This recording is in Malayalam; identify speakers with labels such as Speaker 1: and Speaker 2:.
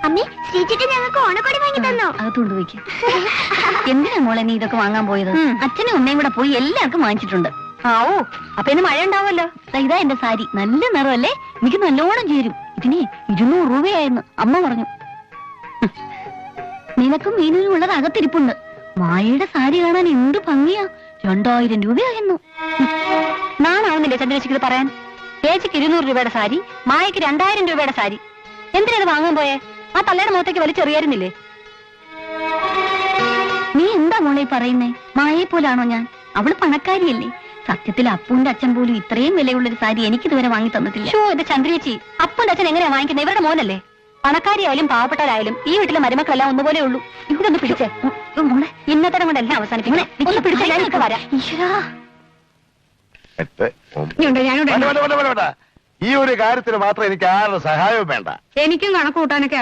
Speaker 1: അമ്മേ, ശ്രീചേട്ടൻ ഞങ്ങൾക്ക് ഓണക്കോടി വാങ്ങി തന്നോ?
Speaker 2: അകത്തോണ്ട് പോയിക്ക്. എന്തിനാ മോളെ നീ ഇതൊക്കെ വാങ്ങാൻ പോയത്? അച്ഛനും അമ്മയും കൂടെ പോയി എല്ലാവർക്കും വാങ്ങിച്ചിട്ടുണ്ട്.
Speaker 1: ആവോ, അപ്പൊ ഇന്ന് മഴ ഉണ്ടാവുമല്ലോ.
Speaker 2: ഇതാ എന്റെ സാരി, നല്ല നിറമല്ലേ, എനിക്ക് നല്ലോണം ചേരും. ഇതിന് 200 രൂപയായിരുന്നു അമ്മ പറഞ്ഞു. നിനക്കും മീനിനും ഉള്ളത് അകത്തിരിപ്പുണ്ട്. മായയുടെ സാരി കാണാൻ എന്ത് ഭംഗിയാ. 2000 രൂപയായിരുന്നു.
Speaker 1: നാണാവുന്നില്ലേ ചന്ദ്രേച്ചിക്ക് പറയാൻ? ചേച്ചിക്ക് 200 രൂപയുടെ സാരി, മായക്ക് 2000 രൂപയുടെ സാരി. എന്തിനത് വാങ്ങാൻ പോയേ? ആ തള്ളയുടെ മുഖത്തേക്ക് വലിച്ചെറിയായിരുന്നില്ലേ?
Speaker 2: നീ എന്താ മോളെ പറയുന്നേ? മായയെ പോലാണോ ഞാൻ? അവള് പണക്കാരിയല്ലേ. സത്യത്തിൽ അപ്പുന്റെ അച്ഛൻ പോലും ഇത്രയും വിലയുള്ളൊരു സാരി എനിക്ക് ഇതുവരെ വാങ്ങി തന്നിട്ടില്ല.
Speaker 1: ഷോ, ഇത് ചന്ദ്രേച്ചി, അപ്പന്റെ അച്ഛൻ എങ്ങനെയാ വാങ്ങിക്കുന്നത്? ഇവരുടെ മോനല്ലേ. പണക്കാരിയായാലും പാവപ്പെട്ടവരായാലും ഈ വീട്ടിലെ മരുമക്കളെല്ലാം ഒന്നുപോലെ ഉള്ളൂ. ഇതൊന്ന് പിടിച്ചേ മോളെ, ഇന്നത്തെ കൊണ്ട് എല്ലാം അവസാനിപ്പിക്കണേ. ഒന്ന് പിടിച്ചേ, ഞാനൊക്കെ വരാം.
Speaker 3: ഈ ഒരു കാര്യത്തിന് മാത്രം എനിക്ക് ആരുടെ സഹായവും വേണ്ട.
Speaker 1: എനിക്കും കണക്ക് കൂട്ടാനൊക്കെ